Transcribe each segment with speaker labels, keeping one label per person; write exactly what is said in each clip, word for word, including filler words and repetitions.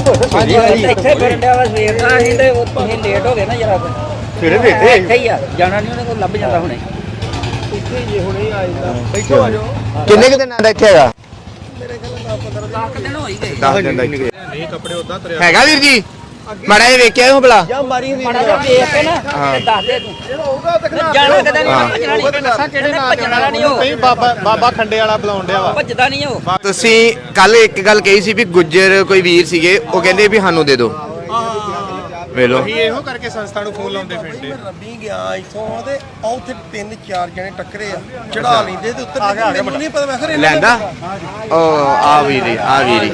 Speaker 1: ਇੱਥੇ ਫਿਰਨ ਡਿਆ ਵਾ ਸਵੇਰ ਦਾ ਅਸੀਂ ਤੇ ਤੁਸੀਂ ਲੇਟ ਹੋ ਗਏ ਨਾ ਜਰਾ
Speaker 2: ਸਵੇਰੇ ਦੇ ਇੱਥੇ
Speaker 1: ਇੱਥੇ ਹੀ ਆ ਜਾਣਾ ਨਹੀਂ ਉਹਨੇ ਕੋਲ ਲੱਭ ਜਾਂਦਾ ਹੁਣੇ
Speaker 2: ਇੱਥੇ ਜੇ ਹੁਣੇ ਆ ਜਾਂਦਾ ਬੈਠੋ ਆ ਜਾਓ
Speaker 3: ਕਿੰਨੇ ਕੁ ਦਿਨਾਂ ਦਾ ਇੱਥੇ ਹੈਗਾ
Speaker 2: ਮੇਰੇ ਖਿਆਲ ਪੰਦਰਾਂ
Speaker 1: ਦਸ ਦਿਨ ਹੋ ਹੀ ਗਏ
Speaker 3: ਦਸ ਦਿਨ ਦਾ ਇੱਥੇ
Speaker 2: ਨਹੀਂ ਕੱਪੜੇ ਉਦਾਂ ਤਰਿਆ
Speaker 3: ਹੈਗਾ ਵੀਰ ਜੀ ਮਾੜਾ ਜਿਹਾ ਵੇਖਿਆ ਹੋ ਭਲਾ
Speaker 2: ਜਾਂ ਮਾਰੀ ਹੁੰਦੀ
Speaker 1: ਮਾੜਾ ਜਿਹਾ ਵੇਖ ਕੇ ਨਾ ਤੇ ਦੱਸ ਦੇ ਤੂੰ
Speaker 2: ਜਿਹੜਾ ਉਹਦਾ ਤੇ
Speaker 1: ਜਾਣਾ ਕਿਤੇ ਨਹੀਂ ਭੱਜਣਾ ਨਹੀਂ ਦੱਸਾਂ ਕਿਹੜੇ ਨਾਲ ਭੱਜਣ ਵਾਲਾ ਨਹੀਂ ਉਹ
Speaker 2: ਕਈ ਬਾਬਾ ਬਾਬਾ ਖੰਡੇ ਵਾਲਾ ਬੁਲਾਉਣ ਡਿਆ ਵਾ
Speaker 1: ਭੱਜਦਾ ਨਹੀਂ ਉਹ
Speaker 3: ਤੁਸੀਂ ਕੱਲ ਇੱਕ ਗੱਲ ਕਹੀ ਸੀ ਵੀ ਗੁੱਜਰ ਕੋਈ ਵੀਰ ਸੀਗੇ ਉਹ ਕਹਿੰਦੇ ਵੀ ਸਾਨੂੰ ਦੇ ਦਿਓ ਵੇਲੋ
Speaker 2: ਅਸੀਂ ਇਹੋ ਕਰਕੇ ਸੰਸਥਾ ਨੂੰ ਫੋਨ ਲਾਉਂਦੇ ਫਿਰਦੇ
Speaker 4: ਰੱਬੀ ਗਿਆ ਇਥੋਂ ਤੇ ਆ ਉੱਥੇ ਤਿੰਨ ਚਾਰ ਜਣੇ ਟੱਕਰੇ ਆ ਚੜਾ ਲੈਂਦੇ ਤੇ ਉੱਤਰ ਮੈਨੂੰ ਨਹੀਂ ਪਤਾ ਮੈਂ ਖਰੇ
Speaker 3: ਲੈਂਦਾ ਉਹ ਆ ਵੀਰੀ ਆ ਵੀਰੀ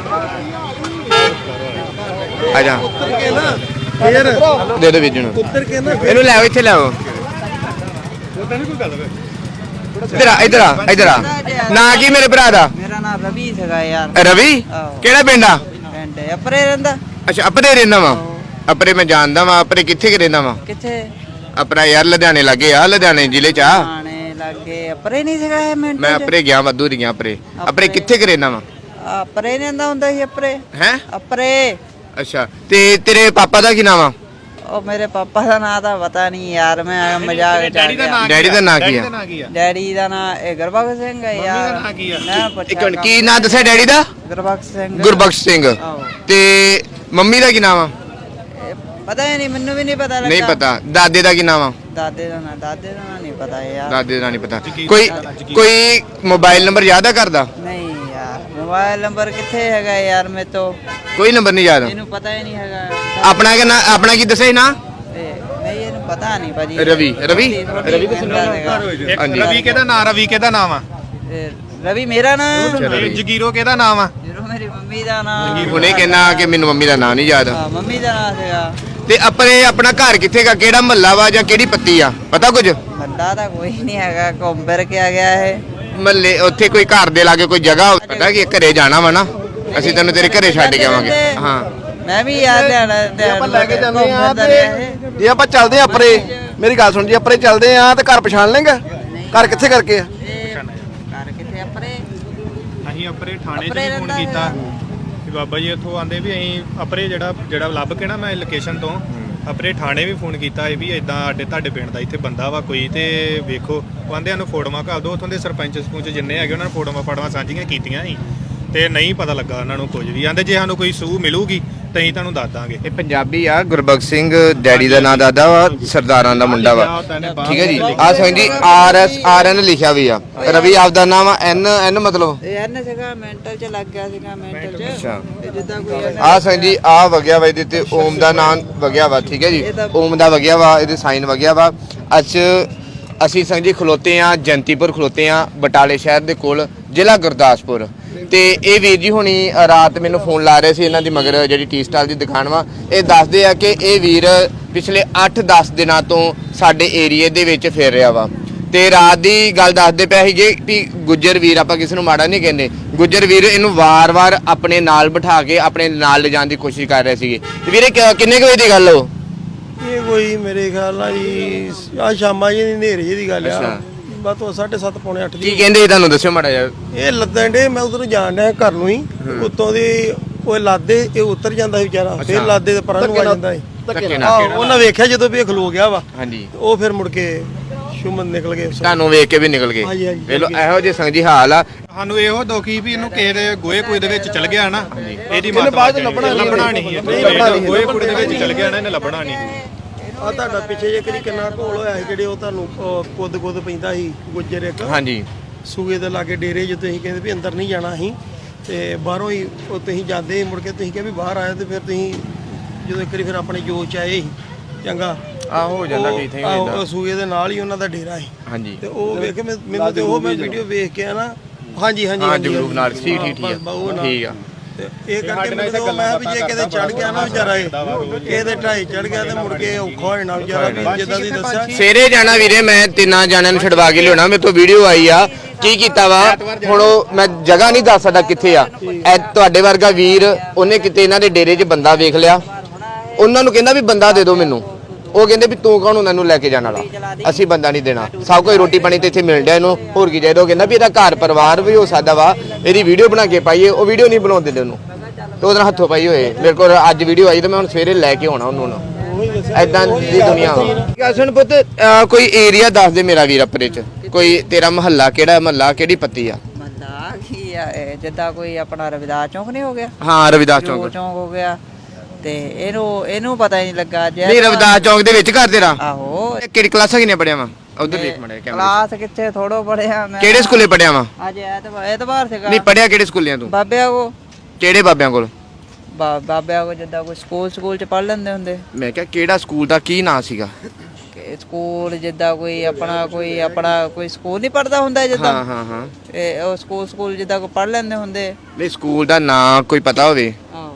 Speaker 3: ਆ ਜਾ
Speaker 4: ਉੱਤਰ ਕੇ ਨਾ ਫੇਰ
Speaker 3: ਦੇ ਦੋ ਵੀਰ ਜੀ ਨੂੰ
Speaker 4: ਉੱਤਰ ਕੇ ਨਾ
Speaker 3: ਇਹਨੂੰ ਲੈ ਆਓ ਇੱਥੇ ਲੈ ਆਓ
Speaker 2: ਉਹਦਾ ਨਹੀਂ ਕੋਈ ਗੱਲ ਵੇ
Speaker 3: ਇਧਰ ਆ ਇਧਰ ਆ ਇਧਰ ਆ ਨਾਂ ਕੀ ਮੇਰੇ ਭਰਾ ਦਾ
Speaker 1: ਮੇਰਾ ਨਾਮ ਰਵੀ ਸੀਗਾ ਯਾਰ
Speaker 3: ਰਵੀ
Speaker 1: ਆਹੋ।
Speaker 3: ਕਿਹੜਾ ਪਿੰਡ ਆ
Speaker 1: ਪਿੰਡ ਅਪਰੇ ਰਹਿੰਦਾ
Speaker 3: ਅੱਛਾ ਅਪਰੇ ਰਹਿੰਦਾ ਵਾ ਅਪਰੇ ਮੈਂ ਜਾਣਦਾ ਵਾ ਅਪਰੇ ਕਿੱਥੇ ਕਿ ਰਹਿੰਦਾ ਵਾ
Speaker 1: ਕਿੱਥੇ
Speaker 3: ਆਪਣਾ ਯਾਰ ਲੁਧਿਆਣੇ ਲੱਗੇ ਆ ਲੁਧਿਆਣੇ ਜ਼ਿਲ੍ਹੇ ਚ ਆ
Speaker 1: ਆਣੇ ਲੱਗੇ ਅਪਰੇ ਨਹੀਂ ਸੀਗਾ ਇਹ ਮਿੰਟ
Speaker 3: ਮੈਂ ਅਪਰੇ ਗਿਆ ਵਾਧੂ ਦੀਆਂ ਅਪਰੇ ਅਪਰੇ ਕਿੱਥੇ ਕਿ ਰਹਿੰਦਾ ਵਾ
Speaker 1: ਅਪਰੇ ਰਹਿੰਦਾ ਹੁੰਦਾ ਸੀ ਅਪਰੇ
Speaker 3: ਹੈ
Speaker 1: ਅਪਰੇ
Speaker 3: ਅੱਛਾ ਤੇ ਤੇਰੇ ਪਾਪਾ ਦਾ ਕੀ ਨਾਮ ਆ
Speaker 1: ਉਹ ਮੇਰੇ ਪਾਪਾ ਦਾ ਨਾਂ ਤਾਂ ਪਤਾ ਨਹੀਂ ਯਾਰ ਮੈਂ ਮਜ਼ਾਕ ਚ ਆ ਗਿਆ
Speaker 3: ਡੈਡੀ ਦਾ ਨਾਂ ਕੀ ਆ
Speaker 2: ਕੀ ਆ
Speaker 1: ਡੈਡੀ ਦਾ ਨਾਂ ਇਹ ਗੁਰਬਖਸ਼ ਸਿੰਘ ਹੈ ਯਾਰ
Speaker 2: ਨਾਂ ਕੀ ਆ?
Speaker 1: ਮੈਂ
Speaker 3: ਇੱਕ
Speaker 1: ਪੁੱਛਿਆ
Speaker 3: ਮਿੰਟ ਕੀ ਨਾਂ ਦੱਸਿਆ ਡੈਡੀ ਦਾ
Speaker 1: ਗੁਰਬਖਸ਼ ਸਿੰਘ
Speaker 3: ਗੁਰਬਖਸ਼ ਸਿੰਘ
Speaker 1: ਆਹੋ।
Speaker 3: ਤੇ ਮੰਮੀ ਦਾ ਕੀ ਨਾਮ ਆ
Speaker 1: ਇਹ ਪਤਾ ਹੀ ਨਹੀਂ ਮੈਨੂੰ ਵੀ ਨਹੀਂ ਪਤਾ ਲੱਗਾ
Speaker 3: ਨਹੀਂ ਪਤਾ ਦਾਦੇ ਦਾ ਕੀ ਨਾਮ ਆ
Speaker 1: ਦਾਦੇ ਦਾ ਨਾਂ ਦਾਦੇ ਦਾ ਨਾਂ ਨਹੀਂ ਪਤਾ ਯਾਰ
Speaker 3: ਦਾਦੇ ਦਾ ਨਹੀਂ ਪਤਾ ਕੋਈ ਕੋਈ ਮੋਬਾਈਲ ਨੰਬਰ ਯਾਦ ਆ ਕਰਦਾ
Speaker 1: ਨਹੀਂ ਯਾਰ ਮੋਬਾਈਲ ਨੰਬਰ ਕਿੱਥੇ ਹੈਗਾ ਯਾਰ ਮੇਰੇ ਤੋਂ
Speaker 3: ਕੋਈ ਨੰਬਰ ਨਹੀਂ ਯਾਦ
Speaker 1: ਇਹਨੂੰ ਪਤਾ ਹੀ ਨਹੀਂ ਹੈਗਾ
Speaker 3: ਆਪਣਾ ਕੀ ਨਾਂ ਆਪਣਾ ਕੀ ਦੱਸਿਆ ਸੀ ਨਾ
Speaker 1: ਤੇ ਨਹੀਂ ਇਹਨੂੰ ਪਤਾ ਨਹੀਂ ਭਾਜੀ
Speaker 3: ਰਵੀ ਰਵੀ ਰਵੀ
Speaker 1: ਪਿੰਡ ਦਾ ਹੈਗਾ।
Speaker 2: ਇੱਕ
Speaker 3: ਹਾਂਜੀ।
Speaker 2: ਰਵੀ ਕਿਹਦਾ ਨਾਂ ਰਵੀ ਕਿਹਦਾ ਨਾਮ ਆ
Speaker 1: ਤੇ ਰਵੀ ਮੇਰਾ ਨਾਮ
Speaker 3: ਰਵੀ।
Speaker 2: ਜਗੀਰੋ ਕਿਹਦਾ ਨਾਮ ਆ
Speaker 1: ਜਦੋਂ ਮੇਰੀ ਮੰਮੀ ਦਾ ਨਾਮ
Speaker 3: ਹੁਣੇ ਕਹਿਣਾ ਕਿ ਮੈਨੂੰ ਮੰਮੀ ਦਾ ਨਾਂ ਨਹੀਂ ਯਾਦ
Speaker 1: ਹਾਂ ਮੰਮੀ ਦਾ ਨਾਮ ਸੀਗਾ
Speaker 3: ਤੇ ਆਪਣੇ ਆਪਣਾ ਘਰ ਕਿੱਥੇ ਗਾ ਕਿਹੜਾ ਮਹੱਲਾ ਵਾ ਜਾਂ ਕਿਹੜੀ ਪੱਤੀ ਆ ਪਤਾ ਕੁਝ
Speaker 1: ਮੱਲਾ ਤਾਂ ਕੋਈ ਨਹੀਂ ਹੈਗਾ ਘੁੰਮ ਫਿਰ ਕੇ ਆ ਗਿਆ ਇਹ
Speaker 3: ਮਹੱਲੇ ਉੱਥੇ ਕੋਈ ਘਰ ਦੇ ਲਾਗੇ ਕੋਈ ਜਗ੍ਹਾ ਹੋਵੇ, ਪਤਾ ਕਿ ਘਰੇ ਜਾਣਾ ਵਾ ਨਾ ਅਸੀਂ ਤੈਨੂੰ ਤੇਰੇ ਘਰੇ ਛੱਡ ਕੇ ਆਵਾਂਗੇ ਹਾਂ
Speaker 1: ਮੈਂ ਵੀ ਯਾਰ ਲੈਣਾ
Speaker 4: ਆਪਾਂ ਲੈ ਕੇ ਜਾਂਦੇ ਆ ਤੇ ਜੇ ਆਪਾਂ ਚੱਲਦੇ ਆ ਅਪਰੇ ਮੇਰੀ ਗੱਲ ਸੁਣ ਜੀ ਅਪਰੇ ਚੱਲਦੇ ਆ ਤੇ ਘਰ ਪਛਾਣ ਲੇਗਾ ਘਰ ਕਿੱਥੇ ਕਰਕੇ ਆ
Speaker 1: ਘਰ ਕਿੱਥੇ ਅਪਰੇ
Speaker 2: ਅਸੀਂ ਅਪਰੇ ਥਾਣੇ 'ਚ
Speaker 1: ਅਪਰੇ
Speaker 2: ਵੀ ਫੋਨ
Speaker 1: ਰਹਿੰਦਾ
Speaker 2: ਕੀਤਾ
Speaker 1: ਹੈਗਾ।
Speaker 2: ਕਿ ਬਾਬਾ ਜੀ ਇੱਥੋਂ ਆਂਦੇ ਵੀ ਅਸੀਂ ਅਪਰੇ ਜਿਹੜਾ ਜਿਹੜਾ ਲੱਭ ਕੇ ਨਾ ਮੈਂ ਲੋਕੇਸ਼ਨ ਤੋਂ ਅਪਰੇ ਥਾਣੇ ਵੀ ਫੋਨ ਕੀਤਾ ਇਹ ਵੀ ਇਦਾਂ ਸਾਡੇ ਤੁਹਾਡੇ ਪਿੰਡ ਦਾ ਇੱਥੇ ਬੰਦਾ ਵਾ ਕੋਈ ਤੇ ਵੇਖੋ ਉਹ ਆਂਦੇ ਸਾਨੂੰ ਫੋਟੋਆਂ ਘੱਲ ਦਿਓ ਉੱਥੋਂ ਦੇ ਸਰਪੰਚ ਸਰਪੰਚ ਜਿੰਨੇ ਹੈਗੇ ਉਹਨਾਂ ਨੇ ਫੋਟੋਆਂ ਫਾਟੋਆਂ ਸਾਂਝੀਆਂ ਕੀਤੀਆਂ ਸੀ ਤੇ ਨਹੀਂ ਪਤਾ ਲੱਗਾ ਉਹਨਾਂ ਨੂੰ ਕੁਝ ਵੀ ਆਂਦੇ ਜੇ ਸਾਨੂੰ ਕੋਈ ਸੂਹ ਮਿਲੂਗੀ ਤਾਂ ਅਸੀਂ ਤੁਹਾਨੂੰ ਦੱਸ ਦਾਂਗੇ
Speaker 3: ਇਹ ਪੰਜਾਬੀ ਆ ਗੁਰਬਖਸ਼ ਸਿੰਘ ਡੈਡੀ ਦਾ ਨਾਂ ਦਾਦਾ ਵਾ ਸਰਦਾਰਾਂ ਦਾ ਮੁੰਡਾ ਵਾ ਠੀਕ ਹੈ ਜੀ ਆ ਸਮਝੀ ਆਰ ਐਸ ਆਰ ਐਨ ਲਿਖਿਆ ਵੀ ਆ ਰਵੀ ਆਪਦਾ ਨਾਮ ਆ ਐਨ ਐਨ ਮਤਲਬ
Speaker 1: ਇਹ ਐਨ ਸੀਗਾ ਮੈਂਟਲ ਚ ਲੱਗ ਗਿਆ ਸੀਗਾ ਮੈਂਟਲ ਚ
Speaker 3: ਅੱਛਾ
Speaker 1: ਤੇ ਜਿੱਦਾਂ ਕੋਈ
Speaker 3: ਆ ਸਮਝੀ ਆ ਵਗਿਆ ਵਾ ਇਹਦੇ ਤੇ ਓਮ ਦਾ ਨਾਮ ਵਗਿਆ ਵਾ ਠੀਕ ਹੈ ਜੀ ਓਮ ਦਾ ਵਗਿਆ ਵਾ ਇਹਦੇ ਸਾਈਨ ਵਗਿਆ ਵਾ ਅੱਜ ਅਸੀਂ ਸਮਝੀ ਖਲੋਤੇ ਆ ਜੰਤੀਪੁਰ ਖਲੋਤੇ ਆ ਬਟਾਲੇ ਸ਼ਹਿਰ ਦੇ ਕੋਲ ਜ਼ਿਲ੍ਹਾ ਗੁਰਦਾਸਪੁਰ ਤੇ ਇਹ ਵੀਰ ਜੀ ਹੁਣੀ ਰਾਤ ਮੈਨੂੰ ਫੋਨ ਲਾ ਰਹੇ ਸੀ ਇਹਨਾਂ ਦੀ ਮਗਰ ਜਿਹੜੀ ਟੀ ਸਟਾਲ ਦੀ ਦੁਕਾਨ ਵਾ ਇਹ ਦੱਸਦੇ ਆ ਕਿ ਇਹ ਵੀਰ ਪਿਛਲੇ ਅੱਠ ਦਸ ਦਿਨਾਂ ਤੋਂ ਸਾਡੇ ਏਰੀਏ ਦੇ ਵਿੱਚ ਫਿਰ ਰਿਹਾ ਵਾ ਤੇ ਰਾਤ ਦੀ ਗੱਲ ਦੱਸਦੇ ਪਿਆ ਸੀਗੇ ਵੀ ਗੁੱਜਰ ਵੀਰ ਆਪਾਂ ਕਿਸੇ ਨੂੰ ਮਾੜਾ ਨਹੀਂ ਕਹਿੰਦੇ ਗੁੱਜਰ ਵੀਰ ਇਹਨੂੰ ਵਾਰ-ਵਾਰ ਆਪਣੇ ਨਾਲ ਬਿਠਾ ਕੇ ਆਪਣੇ ਨਾਲ ਲਿਜਾਣ ਦੀ ਕੋਸ਼ਿਸ਼ ਕਰ ਰਹੇ ਸੀਗੇ ਤੇ ਵੀਰੇ ਕਿੰਨੇ ਕੁ ਵਜੇ ਦੀ ਗੱਲ ਹੋ
Speaker 4: ਇਹ ਕੋਈ ਮੇਰੇ ਖਿਆਲ ਨਾਲ ਜੀ ਆ ਸ਼ਾਮਾਂ ਜੀ ਹਨੇਰੇ ਜਿਹੀ ਦੀ ਗੱਲ ਆ ਬਸ ਉਹ ਸਾਢੇ ਸੱਤ ਪੌਣੇ ਅੱਠ
Speaker 3: ਕੀ ਕਹਿੰਦੇ ਇਹ ਤੁਹਾਨੂੰ ਦੱਸਿਓ ਮਾੜਾ ਜਿਹਾ
Speaker 4: ਇਹ ਲੱਦਣ ਡੇ ਮੈਂ ਉਧਰੋਂ ਜਾਣ ਡਿਆ ਘਰ ਨੂੰ ਹੀ ਉੱਤੋਂ ਦੀ ਉਹ ਲਾਦੇ ਇਹ ਉਤਰ ਜਾਂਦਾ ਸੀ ਵਿਚਾਰਾ ਫਿਰ ਲਾਦੇ ਦੇ ਪਰਾਂ ਨੂੰ ਆ ਜਾਂਦਾ ਸੀ
Speaker 3: ਧੱਕੇ ਨਾਲ
Speaker 4: ਆਹ ਉਹਨਾਂ ਵੇਖਿਆ ਜਦੋਂ ਵੀ ਇਹ ਖਲੋ ਗਿਆ ਵਾ
Speaker 3: ਹਾਂਜੀ
Speaker 4: ਉਹ ਫਿਰ ਮੁੜ ਕੇ ਸ਼ੁਮਨ ਨਿਕਲ ਗਏ
Speaker 3: ਤੁਹਾਨੂੰ ਵੇਖ ਕੇ ਵੀ ਨਿਕਲ ਗਏ
Speaker 4: ਹਾਂਜੀ, ਹਾਂਜੀ,
Speaker 3: ਵੇਖ ਲਓ ਇਹੋ ਜਿਹੇ ਸੰਗ ਜੀ ਹਾਲ ਆ
Speaker 2: ਸਾਨੂੰ ਇਹੋ ਦੁਖੀ ਵੀ ਇਹਨੂੰ ਕਿਸੇ ਦੇ ਗੋਏ ਕੂਏ ਦੇ ਵਿੱਚ ਚਲ ਗਿਆ ਨਾ ਇਹਦੀ ਮਾਤਾ ਬਾਅਦ ਲੱਭਣਾ ਲੱਭਣਾ ਨਹੀਂ ਗੋਏ ਕੂਏ ਦੇ ਵਿੱਚ ਚਲ ਗਿਆ ਨਾ ਇਹਨੇ ਲੱਭਣਾ ਨਹੀਂ
Speaker 4: ਆ ਤੁਹਾਡਾ ਪਿੱਛੇ ਜੇ ਕਰੀ ਕਿੰਨਾ ਢੋਲ ਹੋਇਆ ਸੀ ਜਿਹੜੇ ਉਹ ਤੁਹਾਨੂੰ ਕੁੱਦ ਕੁੱਦ ਪੈਂਦਾ ਸੀ ਗੁੱਜਰ ਇੱਕ
Speaker 3: ਹਾਂਜੀ
Speaker 4: ਸੂਏ ਦੇ ਲਾਗੇ ਡੇਰੇ ਜੇ ਤੁਸੀਂ ਕਹਿੰਦੇ ਵੀ ਅੰਦਰ ਨਹੀਂ ਜਾਣਾ ਸੀ ਤੇ ਬਾਹਰੋਂ ਹੀ ਉਹ ਤੁਸੀਂ ਜਾਂਦੇ ਮੁੜ ਕੇ ਤੁਸੀਂ ਕਿਹਾ ਵੀ ਬਾਹਰ ਆਏ ਤੇ ਫਿਰ ਤੁਸੀਂ ਜਦੋਂ ਇੱਕ ਵਾਰੀ ਫਿਰ ਆਪਣੇ ਜੋਸ਼ ਚ ਆਏ ਸੀ ਚੰਗਾ
Speaker 3: ਆ ਹੋ ਜਾਂਦਾ ਕਿ ਇੱਥੇ ਹੋ ਜਾਂਦਾ
Speaker 4: ਸੂਏ ਦੇ ਨਾਲ ਹੀ ਉਹਨਾਂ ਦਾ ਡੇਰਾ ਸੀ
Speaker 3: ਹਾਂਜੀ
Speaker 4: ਤੇ ਉਹ ਵੇਖ ਕੇ ਮੈਨੂੰ ਤੇ ਉਹ ਮੈਂ ਵੀਡੀਓ ਵੇਖ ਕੇ ਆ ਨਾ ਹਾਂਜੀ ਹਾਂਜੀ
Speaker 3: ਹਾਂ ਜਗਰੂਪ ਨਾਲ ਠੀਕ ਠੀਕ ਠੀਕ ਠੀਕ ਆ
Speaker 4: ਤੇ ਇਹ ਕਰਕੇ ਮੈਨੂੰ ਮੈਂ ਵੀ ਜੇ ਕਿਤੇ ਚੜ ਗਿਆ ਨਾ ਵਿਚਾਰਾ ਇਹ ਇਹਦੇ ਢਾਈ ਚੜ ਗਿਆ ਤੇ ਮੁੜ ਕੇ ਔਖਾ ਹੋ ਜਾਣਾ ਵਿਚਾਰਾ ਵੀ ਜਿੱਦਾਂ ਦੀ ਦੱਸਿਆ
Speaker 3: ਸਵੇਰੇ ਜਾਣਾ ਵੀਰੇ ਮੈਂ ਤਿੰਨਾਂ ਜਾਣਿਆਂ ਨੂੰ ਛਡਵਾ ਕੇ ਲਿਆਉਣਾ ਮੇਰੇ ਤੋਂ ਵੀਡੀਓ ਆਈ ਆ ਕੀ ਕੀਤਾ ਵਾ ਹੁਣ ਉਹ ਮੈਂ ਜਗ੍ਹਾ ਨਹੀਂ ਦੱਸ ਸਕਦਾ ਕਿੱਥੇ ਆ ਐ ਤੁਹਾਡੇ ਵਰਗਾ ਵੀਰ ਉਹਨੇ ਕਿਤੇ ਇਹਨਾਂ ਦੇ ਡੇਰੇ 'ਚ ਬੰਦਾ ਵੇਖ ਲਿਆ ਉਹਨਾਂ ਨੂੰ ਕਹਿੰਦਾ ਵੀ ਬੰਦਾ ਦੇ ਦਿਓ ਮੈਨੂੰ ਉਹ ਕਹਿੰਦੇ ਵੀ ਤੂੰ ਕੌਣ ਉਹਨਾਂ ਨੂੰ ਲੈ ਕੇ ਜਾਣ ਵਾਲਾ ਅਸੀਂ ਬੰਦਾ ਨਹੀਂ ਦੇਣਾ ਸਭ ਕੋਈ ਰੋਟੀ ਪਾਣੀ ਤੇ ਇੱਥੇ ਮਿਲ ਰਿਹਾ ਇਹਨੂੰ ਹੋਰ ਕੀ ਚਾਹੀਦਾ ਉਹ ਕਹਿੰਦਾ ਵੀ ਇਹਦਾ ਘਰ ਪਰਿਵਾਰ ਵੀ ਹੋ ਸਕਦਾ ਵਾ ਇਹਦੀ ਵੀਡੀਓ ਬਣਾ ਕੇ ਪਾਈਏ ਉਹ ਵੀਡੀਓ ਨਹੀਂ ਬਣਾਉਣ ਦਿੰਦੇ ਉਹਨੂੰ ਤੇ ਉਹਦੇ ਨਾਲ ਹੱਥੋਂ ਪਾਈ ਹੋਏ ਮੇਰੇ ਕੋਲ ਅੱਜ ਵੀਡੀਓ ਆਈ ਤੇ ਮੈਂ ਹੁਣ ਸਵੇਰੇ ਲੈ ਕੇ ਆਉਣਾ ਉਹਨੂੰ ਨਾ ਐਦਾਂ ਦੀ ਦੁਨੀਆ ਵਾ ਸੁਣ ਪੁੱਤ ਅਹ ਕੋਈ ਏਰੀਆ ਦੱਸ ਦੇ ਮੇਰਾ ਵੀਰ ਅਪਰੇ ਚ ਕੋਈ ਤੇਰਾ ਮਹੱਲਾ ਕਿਹੜਾ ਮਹੱਲਾ ਕਿਹੜੀ ਪੱਤੀ ਆ
Speaker 1: ਮੱਲਾ ਕੀ ਆ ਇਹ, ਜਿੱਦਾਂ ਕੋਈ ਆਪਣਾ ਰਵਿਦਾਸ ਚੌਂਕ ਨਹੀਂ ਹੋ ਗਿਆ
Speaker 3: ਹਾਂ ਰਵਿਦਾਸ
Speaker 1: ਜੋ
Speaker 3: ਚੌਂਕ
Speaker 1: ਚੌਂਕ ਹੋ ਗਿਆ ਤੇ ਇਹਨੂੰ ਇਹਨੂੰ ਪਤਾ ਹੀ ਨਹੀਂ ਲੱਗਾ ਜੇ
Speaker 3: ਨਹੀਂ ਰਵਿਦਾਸ ਚੌਂਕ ਦੇ ਵਿੱਚ ਘਰ ਤੇਰਾ
Speaker 1: ਆਹੋ
Speaker 3: ਇਹ ਕਿਹੜੀ ਕਲਾਸਾਂ ਕਿੰਨੇ ਪੜਿਆ ਵਾ ਉਧਰ ਦੇਖ ਮੜਿਆ ਕੈਮਰਾ
Speaker 1: ਕਲਾਸ ਕਿੱਥੇ ਥੋੜੋ ਪੜਿਆ ਮੈਂ
Speaker 3: ਕਿਹੜੇ ਸਕੂਲੇ ਪੜਿਆ ਵਾ
Speaker 1: ਅੱਜ ਐਤਵਾਰ ਐਤਵਾਰ ਸੀਗਾ
Speaker 3: ਨਹੀਂ ਪੜਿਆ ਕਿਹੜੇ ਸਕੂਲਿਆਂ ਤੂੰ
Speaker 1: ਬਾਬਿਆਂ ਕੋ
Speaker 3: ਕਿਹੜੇ ਬਾਬਿਆਂ ਕੋਲ
Speaker 1: ਬਾ- ਬਾਬਿਆਂ ਕੋ ਜਿੱਦਾਂ ਕੋਈ ਸਕੂਲ ਸਕੂਲ ਚ ਪੜ ਲੈਂਦੇ ਹੁੰਦੇ
Speaker 3: ਮੈਂ ਕਿਹਾ ਕਿਹੜਾ ਸਕੂਲ ਦਾ ਕੀ ਨਾਂ ਸੀਗਾ
Speaker 1: ਕਿ ਸਕੂਲ ਜਿੱਦਾਂ ਕੋਈ ਆਪਣਾ ਕੋਈ ਆਪਣਾ ਕੋਈ ਸਕੂਲ ਨਹੀਂ ਪੜਦਾ ਹੁੰਦਾ ਜਿੱਦਾਂ
Speaker 3: ਹਾਂ ਹਾਂ ਹਾਂ
Speaker 1: ਇਹ ਉਹ ਸਕੂਲ ਸਕੂਲ ਜਿੱਦਾਂ ਕੋ ਪੜ ਲੈਂਦੇ ਹੁੰਦੇ
Speaker 3: ਨਹੀਂ ਸਕੂਲ ਦਾ ਨਾਂ ਕੋਈ ਪਤਾ ਹੋਵੇ
Speaker 1: ਆਹੋ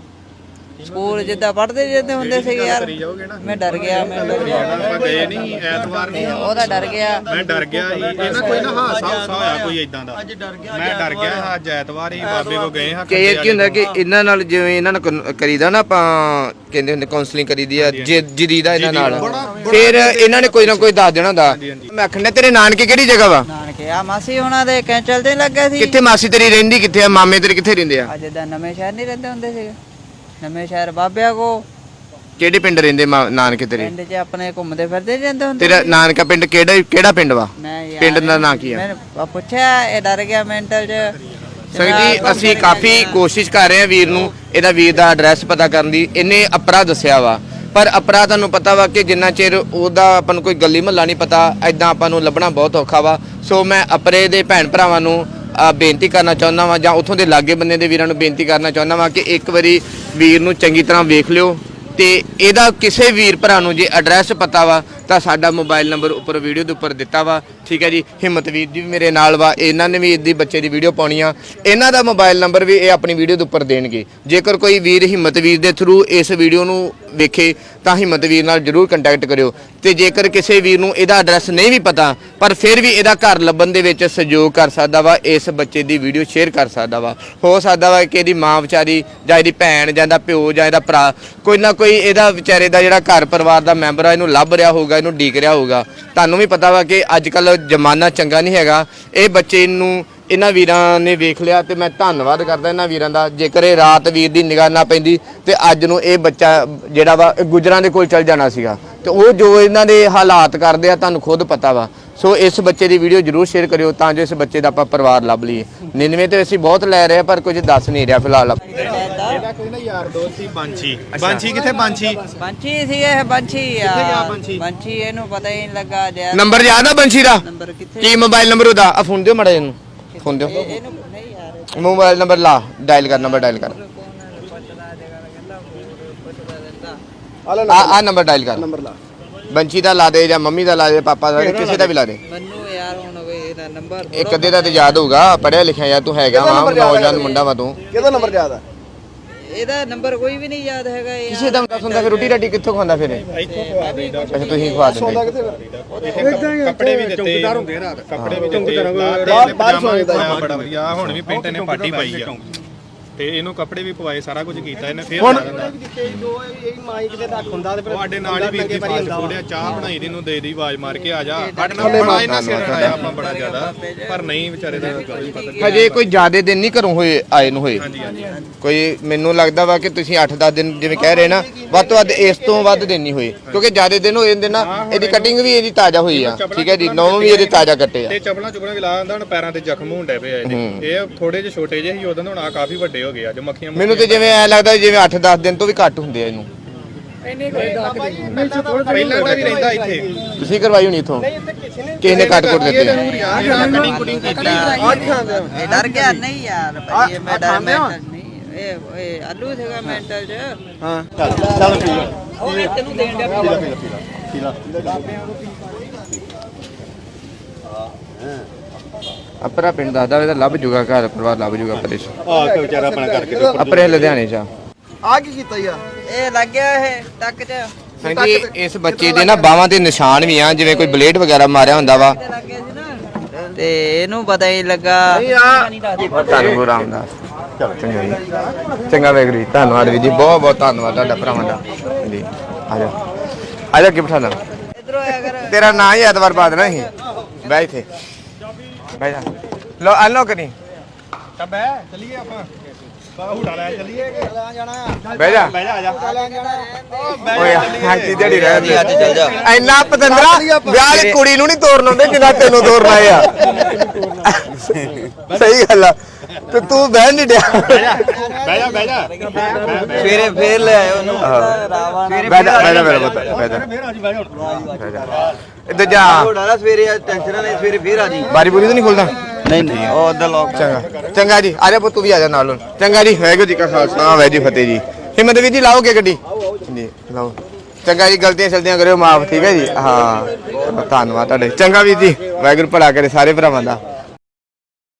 Speaker 1: ਸਕੂਲ ਜਿੱਦਾਂ ਪੜਦੇ ਜਾਂਦੇ ਹੁੰਦੇ ਸੀ ਯਾਰ ਮੈਂ ਡਰ ਗਿਆ ਮੈਂ ਡਰ ਗਿਆ
Speaker 2: ਆਪਾਂ ਗਏ ਨਹੀਂ ਐਤਵਾਰ ਨਹੀਂ
Speaker 1: ਉਹਦਾ ਡਰ ਗਿਆ
Speaker 2: ਮੈਂ ਡਰ ਗਿਆ ਸੀ ਇਹਨਾਂ ਕੋਈ ਨਾ ਹਾਸਾ ਹਾਸਾ ਹੋਇਆ ਕੋਈ ਇਦਾਂ ਦਾ
Speaker 4: ਅੱਜ ਡਰ ਗਿਆ
Speaker 2: ਮੈਂ ਡਰ ਗਿਆ ਹਾਂ ਅੱਜ ਐਤਵਾਰ ਹੀ ਬਾਬੇ ਕੋ ਗਏ ਹਾਂ
Speaker 3: ਕਿ ਇਹ ਕੀ ਹੁੰਦਾ ਕਿ ਇਹਨਾਂ ਨਾਲ ਜਿਵੇਂ ਇਹਨਾਂ ਨਾਲ ਕਨ- ਕਰੀਦਾ ਨਾ ਆਪਾਂ ਕਹਿੰਦੇ ਹੁੰਦੇ ਕਾਉਂਸਲਿੰਗ ਕਰੀਦੀ ਆ ਜਿਦੀ ਦਾ ਇਹਨਾਂ ਨਾਲ ਫਿਰ ਇਹਨਾਂ ਨੇ ਕੋਈ ਨਾ ਕੋਈ ਦੱਸ ਦੇਣਾ ਹੁੰਦਾ ਮੈਂ ਆਖਣਾ ਤੇਰੇ ਨਾਨਕੇ ਕਿਹੜੀ ਜਗ੍ਹਾ ਵਾ
Speaker 1: ਨਾਨਕੇ ਆ ਮਾਸੀ ਉਹਨਾਂ ਦੇ ਕੈਂਚਲ ਤੇ ਲੱਗਾ ਸੀ
Speaker 3: ਕਿੱਥੇ ਮਾਸੀ ਤੇਰੀ ਰਹਿੰਦੀ ਕਿੱਥੇ ਆ ਮਾਮੇ ਤੇਰੇ ਕਿੱਥੇ ਰਹਿੰਦੇ ਆ
Speaker 1: ਅੱਜ ਦਾ ਨਵੇਂ ਸ਼ਹਿਰ ਨਹੀਂ ਰਹਿੰਦੇ ਹੁੰਦੇ ਸੀਗੇ ਨਵੇਂ ਸ਼ਹਿਰ ਬਾਬਿਆਂ ਕੋ
Speaker 3: ਕਿਹੜੇ ਪਿੰਡ ਰਹਿੰਦੇ ਮਾ- ਨਾਨਕੇ ਤੇਰੇ
Speaker 1: ਪਿੰਡ 'ਚ ਆਪਣੇ ਘੁੰਮਦੇ ਫਿਰਦੇ ਜਾਂਦੇ ਹੁੰਦੇ
Speaker 3: ਤੇਰਾ ਨਾਨਕਾ ਪਿੰਡ ਕਿਹੜਾ ਕਿਹੜਾ ਪਿੰਡ ਵਾ
Speaker 1: ਮੈਂ ਯਾਰ
Speaker 3: ਪਿੰਡ ਦਾ ਨਾਂ ਕੀ ਆ
Speaker 1: ਮੈਂ ਪੁੱਛਿਆ ਇਹ ਡਰ ਗਿਆ ਮੈਂਟਲ 'ਚ
Speaker 3: ਸੰਗਤ ਜੀ ਅਸੀਂ ਕਾਫੀ ਕੋਸ਼ਿਸ਼ ਕਰ ਰਹੇ ਹਾਂ ਵੀਰ ਨੂੰ ਇਹਦਾ ਵੀਰ ਦਾ ਐਡਰੈਸ ਪਤਾ ਕਰਨ ਦੀ ਇਹਨੇ ਅਪਰਾ ਦੱਸਿਆ ਵਾ ਪਰ ਅਪਰਾ ਤੁਹਾਨੂੰ ਪਤਾ ਵਾ ਕਿ ਜਿੰਨਾ ਚਿਰ ਉਹਦਾ ਆਪਾਂ ਨੂੰ ਕੋਈ ਗਲੀ ਮਹੱਲਾ ਨਹੀਂ ਪਤਾ ਐਦਾਂ ਆਪਾਂ ਨੂੰ ਲੱਭਣਾ ਬਹੁਤ ਔਖਾ ਵਾ ਸੋ ਮੈਂ ਅਪਰੇ ਦੇ ਭੈਣ ਭਰਾਵਾਂ ਨੂੰ ਆ ਬੇਨਤੀ ਕਰਨਾ ਚਾਹੁੰਦਾ ਵਾਂ ਜਾਂ ਉਥੋਂ ਦੇ ਲਾਗੇ ਬੰਨੇ ਦੇ ਵੀਰਾਂ ਨੂੰ ਬੇਨਤੀ ਕਰਨਾ ਚਾਹੁੰਦਾ ਵਾਂ ਕਿ ਇੱਕ ਵਾਰੀ ਵੀਰ ਨੂੰ ਚੰਗੀ ਤਰ੍ਹਾਂ ਵੇਖ ਲਿਓ ਤੇ ਇਹਦਾ ਕਿਸੇ ਵੀਰ ਭਰਾ ਨੂੰ ਜੇ ਐਡਰੈਸ ਪਤਾ ਵਾ ਤਾਂ ਸਾਡਾ ਮੋਬਾਈਲ ਨੰਬਰ ਉੱਪਰ ਵੀਡੀਓ ਦੇ ਉੱਪਰ ਦਿੱਤਾ ਵਾ ਠੀਕ ਹੈ ਜੀ ਹਿੰਮਤ ਵੀਰ ਜੀ ਵੀ ਮੇਰੇ ਨਾਲ ਵਾ ਇਹਨਾਂ ਨੇ ਵੀ ਇਹਦੀ ਬੱਚੇ ਦੀ ਵੀਡੀਓ ਪਾਉਣੀ ਆ ਇਹਨਾਂ ਦਾ ਮੋਬਾਈਲ ਨੰਬਰ ਵੀ ਇਹ ਆਪਣੀ ਵੀਡੀਓ ਦੇ ਉੱਪਰ ਦੇਣਗੇ ਜੇਕਰ ਕੋਈ ਵੀਰ ਹਿੰਮਤ ਵੀਰ ਦੇ ਥਰੂ ਇਸ ਵੀਡੀਓ ਨੂੰ ਵੇਖੇ ਤਾਂ ਹਿੰਮਤ ਵੀਰ ਨਾਲ ਜਰੂਰ ਕੰਟੈਕਟ ਕਰਿਓ ਤੇ ਜੇਕਰ ਕਿਸੇ ਵੀਰ ਨੂੰ ਇਹਦਾ ਐਡਰੈਸ ਨਹੀਂ ਵੀ ਪਤਾ ਪਰ ਫਿਰ ਵੀ ਇਹਦਾ ਘਰ ਲੱਭਣ ਦੇ ਵਿੱਚ ਸਹਿਯੋਗ ਕਰ ਸਕਦਾ ਵਾ ਇਸ ਬੱਚੇ ਦੀ ਵੀਡੀਓ ਸ਼ੇਅਰ ਕਰ ਸਕਦਾ ਵਾ ਹੋ ਸਕਦਾ ਵਾ ਕਿ ਇਹਦੀ ਮਾਂ ਵਿਚਾਰੀ ਜਾਂ ਇਹਦੀ ਭੈਣ ਜਾਂ ਇਹਦਾ ਪਿਓ ਜਾਂ ਇਹਦਾ ਭਰਾ ਕੋਈ ਨਾ ਕੋਈ ਇਹਦਾ ਵਿਚਾਰੇ ਦਾ ਜਿਹੜਾ ਘਰ ਪਰਿਵਾਰ ਦਾ ਮੈਂਬਰ ਆ ਇਹਨੂੰ ਲੱਭ ਰਿਹਾ ਹੋਊਗਾ ਇਹਨੂੰ ਡੀਕ ਰਿਹਾ ਹੋਊਗਾ ਤੁਹਾਨੂੰ ਵੀ ਪਤਾ ਵਾ ਕਿ ਅੱਜ ਕੱਲ ਜ਼ਮਾਨਾ ਚੰਗਾ ਨਹੀਂ ਹੈਗਾ ਇਹ ਬੱਚੇ ਨੂੰ ਇਹਨਾਂ ਵੀਰਾਂ ਨੇ ਵੇਖ ਲਿਆ ਤੇ ਮੈਂ ਧੰਨਵਾਦ ਕਰਦਾ ਇਹਨਾਂ ਵੀਰਾਂ ਦਾ ਜੇਕਰ ਇਹ ਰਾਤ ਵੀਰ ਦੀ ਨਿਗਾਹ ਨਾ ਪੈਂਦੀ ਤੇ ਅੱਜ ਨੂੰ ਇਹ ਬੱਚਾ ਜਿਹੜਾ ਵਾ ਗੁਜਰਾਂ ਦੇ ਕੋਲ ਚਲ ਜਾਣਾ ਸੀਗਾ ਤੇ ਉਹ ਜੋ ਇਹਨਾਂ ਦੇ ਹਾਲਾਤ ਕਰਦੇ ਆ ਤੁਹਾਨੂੰ ਖੁਦ ਪਤਾ ਵਾ ਸੋ ਇਸ ਬੱਚੇ ਦੀ ਵੀਡੀਓ ਜਰੂਰ ਸ਼ੇਅਰ ਕਰਿਓ ਤਾਂ ਜੋ ਇਸ ਬੱਚੇ ਦਾ ਆਪਾਂ ਪਰਿਵਾਰ ਲੱਭ ਲਈਏ ਨਿੰਨਵੇਂ ਤੇ ਅਸੀਂ ਬਹੁਤ ਲੈ ਰਹੇ ਆ ਪਰ ਕੁਝ ਦੱਸ ਨਹੀਂ ਰਿਹਾ ਫਿਲਹਾਲ
Speaker 2: ਇਹਦਾ ਕੋਈ ਨਾ ਯਾਰ ਦੋਸਤ ਸੀ ਬਾਂਛੀ ਬਾਂਛੀ ਕਿੱਥੇ ਬਾਂਛੀ
Speaker 1: ਬੰਚੀ ਸੀ ਇਹ ਬੰਚੀ ਆ
Speaker 2: ਗਿਆ ਬੰਛੀ?
Speaker 1: ਬੰਚੀ ਇਹਨੂੰ ਪਤਾ ਹੀ ਨਹੀਂ ਲੱਗਾ ਜੇ
Speaker 3: ਨੰਬਰ ਯਾਦ ਆ ਬੰਸ਼ੀ ਦਾ
Speaker 1: ਨੰਬਰ ਕਿੱਥੇ
Speaker 3: ਕੀ ਮੋਬਾਈਲ ਨੰਬਰ ਉਹਦਾ ਆ ਫੋਨ ਦਿਓ ਮੜਾ ਇਹਨੂੰ ਫੋਨ ਦਿਓ
Speaker 1: ਇਹਨੂੰ ਨਹੀਂ ਯਾਰ
Speaker 3: ਮੋਬਾਈਲ ਨੰਬਰ ਲਾ ਡਾਇਲ ਕਰ ਨੰਬਰ ਡਾਇਲ ਕਰ ਆ ਆ ਨੰਬਰ ਡਾਇਲ ਕਰ ਨੰਬਰ ਲਾ ਬੰਚੀ ਦਾ ਲਾ ਦੇ ਜਾਂ ਮੰਮੀ ਦਾ ਲਾ ਦੇ ਪਾਪਾ ਦਾ ਕਿਸੇ ਦਾ ਵੀ ਲਾ ਦੇ
Speaker 1: ਮੈਨੂੰ ਯਾਰ ਹੁਣ ਕੋਈ ਇਹਦਾ ਨੰਬਰ
Speaker 3: ਇੱਕ ਅੱਧੇ ਦਾ ਤੇ ਯਾਦ ਹੋਊਗਾ ਪੜਿਆ ਲਿਖਿਆ ਯਾਰ ਤੂੰ ਹੈਗਾ ਵਾ ਨੌਜਵਾਨ ਮੁੰਡਾ ਵਾ ਤੂੰ
Speaker 4: ਕਿਹਦਾ ਨੰਬਰ ਯਾਦ ਆ
Speaker 1: ਇਹਦਾ ਨੰਬਰ ਕੋਈ ਵੀ ਨਹੀਂ ਯਾਦ ਹੈਗਾ ਯਾਰ
Speaker 3: ਕਿਸੇ ਦਾ ਦੱਸ ਹੁੰਦਾ ਫਿਰ ਰੋਟੀ ਰਾਟੀ ਕਿੱਥੋਂ ਖਾਂਦਾ ਫਿਰ ਇਹ?
Speaker 2: ਇੱਥੋਂ ਖਵਾ ਦੇਈਦਾ
Speaker 3: ਅੱਛਾ ਤੁਸੀਂ ਖਵਾ ਦਿੰਦੇ
Speaker 2: ਇੱਥੇ ਕੱਪੜੇ ਵੀ ਦਿੱਤੇ ਚੌਂਕੀਦਾਰ ਹੁੰਦੇ ਰਾਤ ਕੱਪੜੇ ਵੀ ਦਿੱਤੇ ਬਾਹਰ ਸੌਂਦਾ ਬੜਾ ਵਧੀਆ ਹੁਣ ਵੀ ਪਿੰਟ ਨੇ ਪਾਟੀ ਪਾਈ ਆ ਤੇ ਇਹਨੂੰ ਕੱਪੜੇ ਵੀ ਪਵਾਏ ਸਾਰਾ ਕੁਝ ਕੀਤਾ ਇਹਨੇ ਫੇਰ ਲਾ ਦਿੰਦਾ ਤੁਹਾਡੇ ਨਾਲ ਹੀ ਵੀਰ ਦੀ ਫਾਸਟ ਫੂਡ ਆ ਚਾਹ ਬਣਾਈ ਦੀ ਨੂੰ ਦੇ ਦੀ ਆਵਾਜ਼ ਮਾਰ ਕੇ ਆ ਜਾ ਸਾਡੇ ਨਾਲ ਬੜਾ ਇਹਨਾਂ ਸਿਰ ਆਇਆ ਆਪਾਂ ਬੜਾ ਜ਼ਿਆਦਾ ਪਰ ਨਹੀਂ ਵਿਚਾਰੇ ਦਾ ਗੱਲ ਹੀ ਪਤਾ
Speaker 3: ਹਜੇ ਕੋਈ ਜ਼ਿਆਦੇ ਦਿਨ ਨਹੀਂ ਘਰੋਂ ਹੋਏ ਆਏ ਨੂੰ ਹੋਏ ਕੋਈ ਮੈਨੂੰ ਲੱਗਦਾ ਵਾ ਕਿ ਤੁਸੀਂ ਅੱਠ ਦਸ ਦਿਨ ਜਿਵੇਂ ਕਹਿ ਰਹੇ ਨਾ ਵੱਧ ਤੋਂ ਵੱਧ ਇਸ ਤੋਂ ਵੱਧ ਦਿਨ ਨਹੀਂ ਹੋਏ ਕਿਉਂਕਿ ਜ਼ਿਆਦੇ ਦਿਨ ਹੋਏ ਜਾਂਦੇ ਨਾ ਇਹਦੀ ਕਟਿੰਗ ਵੀ ਇਹਦੀ ਤਾਜ਼ਾ ਹੋਈ ਆ ਠੀਕ ਹੈ ਜੀ ਨੌਂ ਵੀ ਇਹਦੇ ਤਾਜ਼ਾ ਕੱਟੇ ਆ
Speaker 2: ਤੇ ਚਪਲਾਂ ਚੁਪਲਾਂ ਵੀ ਲਾ ਦਿੰਦਾ ਹੁਣ ਪੈਰਾਂ ਤੇ ਜ਼ਖਮ ਹੁੰਦੇ ਪਏ ਆ ਇਹਦੇ ਇਹ ਥੋੜੇ ਜਿਹੇ ਛੋਟੇ ਜਿਹੇ ਸੀ ਉਦੋਂ ਹੁਣ ਆ ਕਾਫੀ ਵੱਡੇ ਹੋ ਗਏ ਆ ਜੋ ਮੱਖੀਆਂ
Speaker 3: ਮੈਨੂੰ ਤੇ ਜਿਵੇਂ ਐ ਲੱਗਦਾ ਜਿਵੇਂ ਅੱਠ ਦਸ ਦਿਨ ਤੋਂ ਵੀ ਘੱਟ ਹੁੰਦੇ ਆ ਇਹਨੂੰ
Speaker 2: ਪਹਿਲਾਂ ਦਾ ਵੀ ਰਹਿੰਦਾ ਇੱਥੇ
Speaker 3: ਤੁਸੀਂ ਕਰਵਾਈ ਹੋਣੀ ਇਥੋਂ ਕਿਸੇ ਨੇ ਕੱਟ ਕੁੱਟ ਦਿੱਤੇ ਆ
Speaker 2: ਕਟਿੰਗ ਕੁਟਿੰਗ ਕੀਤੀ
Speaker 1: ਇਹ ਡਰ ਗਿਆ ਨਹੀਂ ਯਾਰ ਭਾਈ ਇਹ ਮੈਂ ਡਰ ਮੈਂਟਲ ਨਹੀਂ ਇਹ ਇਹ ਆਲੂ ਸੀਗਾ ਮੈਂਟਲ ਚ
Speaker 4: ਹਾਂ ਚੱਲ ਚੱਲ ਪੀ ਲੈ
Speaker 1: ਉਹ ਵੀ ਤੈਨੂੰ ਦੇਣ ਡਿਆ
Speaker 4: ਪੀ ਲੈ ਪੀ ਲੈ
Speaker 3: ਅਪਰਾ ਪਿੰਡ ਦੱਸਦਾ ਵੇ ਤਾਂ ਲੱਭ ਜੂਗਾ ਘਰ ਪਰਿਵਾਰ ਲੱਭ ਜੂਗਾ ਪਰੇ
Speaker 4: ਆ ਕੇ ਵਿਚਾਰਾ ਆਪਣਾ ਕਰਕੇ
Speaker 3: ਅਪਰੇ ਲੁਧਿਆਣੇ ਚ
Speaker 4: ਆ ਕੀ ਕੀਤਾ ਯਾਰ
Speaker 1: ਇਹ ਲੱਗ ਗਿਆ ਇਹ ਟੱਕ ਚ
Speaker 3: ਹਾਂਜੀ ਇਸ ਬੱਚੇ ਦੇ ਨਾ ਬਾਹਾਂ ਤੇ ਨਿਸ਼ਾਨ ਵੀ ਆ ਜਿਵੇਂ ਕੋਈ ਬਲੇਡ ਵਗੈਰਾ ਮਾਰਿਆ ਹੁੰਦਾ ਵਾ
Speaker 1: ਲੱਗ ਗਿਆ ਸੀ ਨਾ ਤੇ ਇਹਨੂੰ ਪਤਾ ਹੀ ਲੱਗਾ
Speaker 3: ਧੰਨ ਗੁਰੂ ਰਾਮਦਾਸ ਚੰਗਾ ਜੀ ਚੰਗਾ ਵੇਖ ਜੀ ਧੰਨਵਾਦ ਵੀ ਜੀ ਬਹੁਤ ਬਹੁਤ ਧੰਨਵਾਦ ਤੁਹਾਡਾ ਭਰਾਵਾਂ ਦਾ ਜੀ ਆ ਜਾ ਆ ਜਾ ਕੀ ਬਿਠਾ ਲਾ
Speaker 1: ਇਧਰੋਂ ਆਇਆ ਕਰ
Speaker 3: ਤੇਰਾ ਨਾਂ ਹੀ ਐਤਵਾਰ ਬਾਅਦ ਨਾ ਹੀ ਬੈ ਇੱਥੇ ਬੈ ਜਾ ਲੋ ਆ ਲੋ ਕਰੀ
Speaker 2: ਤਾਂ ਬੈ ਚਲੀਏ ਆਪਾਂ ਹੂੜਾ ਲੈ ਚੱਲੀਏ
Speaker 3: ਬਹਿ ਜਾ
Speaker 2: ਬਹਿ ਜਾ ਆ ਜਾ
Speaker 3: ਓਏ ਹਾਜੀ ਦਿਹਾੜੀ ਰਹਿ ਦੇ
Speaker 1: ਅੱਜ ਚੱਲ ਜਾ
Speaker 3: ਇੰਨਾ ਪਤੰਦਰਾ ਵਿਆਹ ਵਾਲੀ ਕੁੜੀ ਨੂੰ ਨਹੀਂ ਤੋਰਨ ਆਉਂਦੇ ਜਿੰਨਾ ਤੈਨੂੰ ਤੋਰਨਾ ਆ ਸਹੀ ਗੱਲ ਆ ਤੇ ਤੂੰ ਬਹਿ ਨਹੀਂ ਡਿਆ
Speaker 2: ਬਹਿ ਜਾ ਬਹਿ ਜਾ ਬਹਿ ਜਾ
Speaker 1: ਸਵੇਰੇ ਫੇਰ ਲੈ ਆਇਓ ਉਹਨੂੰ ਰਾਵਾ ਨਾਲ
Speaker 3: ਬਹਿ ਜਾ ਬਹਿ ਜਾ ਮੇਰਾ ਪੁੱਤ ਬਹਿ ਜਾ
Speaker 2: ਫੇਰ ਆ ਜੀ ਬਹਿ ਜਾ
Speaker 3: ਬਹਿ ਜਾ ਇੱਧਰ ਜਾ
Speaker 1: ਘੋੜਾ ਨਾ ਸਵੇਰੇ ਟੈਨਸ਼ਨ ਨਹੀਂ ਸਵੇਰੇ ਫੇਰ ਆ ਜੀ
Speaker 3: ਬਾਰੀ ਬੁਰੀ ਤਾਂ ਨਹੀਂ ਖੁੱਲਦਾ
Speaker 1: ਨਹੀਂ ਨਹੀਂ ਉਹ ਉਧਰ ਲੋਕ
Speaker 3: ਚੰਗਾ ਚੰਗਾ ਜੀ ਆ ਜਾ ਪੁੱਤ ਤੂੰ ਵੀ ਆ ਜਾ ਨਾਲ ਹੁਣ ਚੰਗਾ ਜੀ ਵਾਹਿਗੁਰੂ ਜੀ ਕਾ ਖਾਲਸਾ ਵਾਹਿਗੁਰੂ ਜੀ ਕੀ ਫਤਿਹ ਜੀ ਹਿੰਮਤ ਵੀਰ ਜੀ ਲਾਓਗੇ ਗੱਡੀ ਜੀ ਲਾਓ ਚੰਗਾ ਜੀ ਗਲਤੀਆਂ ਸ਼ਲਤੀਆਂ ਕਰਿਓ ਮਾਫ ਠੀਕ ਹੈ ਜੀ ਹਾਂ ਚਲੋ ਧੰਨਵਾਦ ਤੁਹਾਡੇ ਚੰਗਾ ਵੀਰ ਜੀ ਵਾਹਿਗੁਰੂ ਭਲਾ ਕਰੇ ਸਾਰੇ ਭਰਾਵਾਂ ਦਾ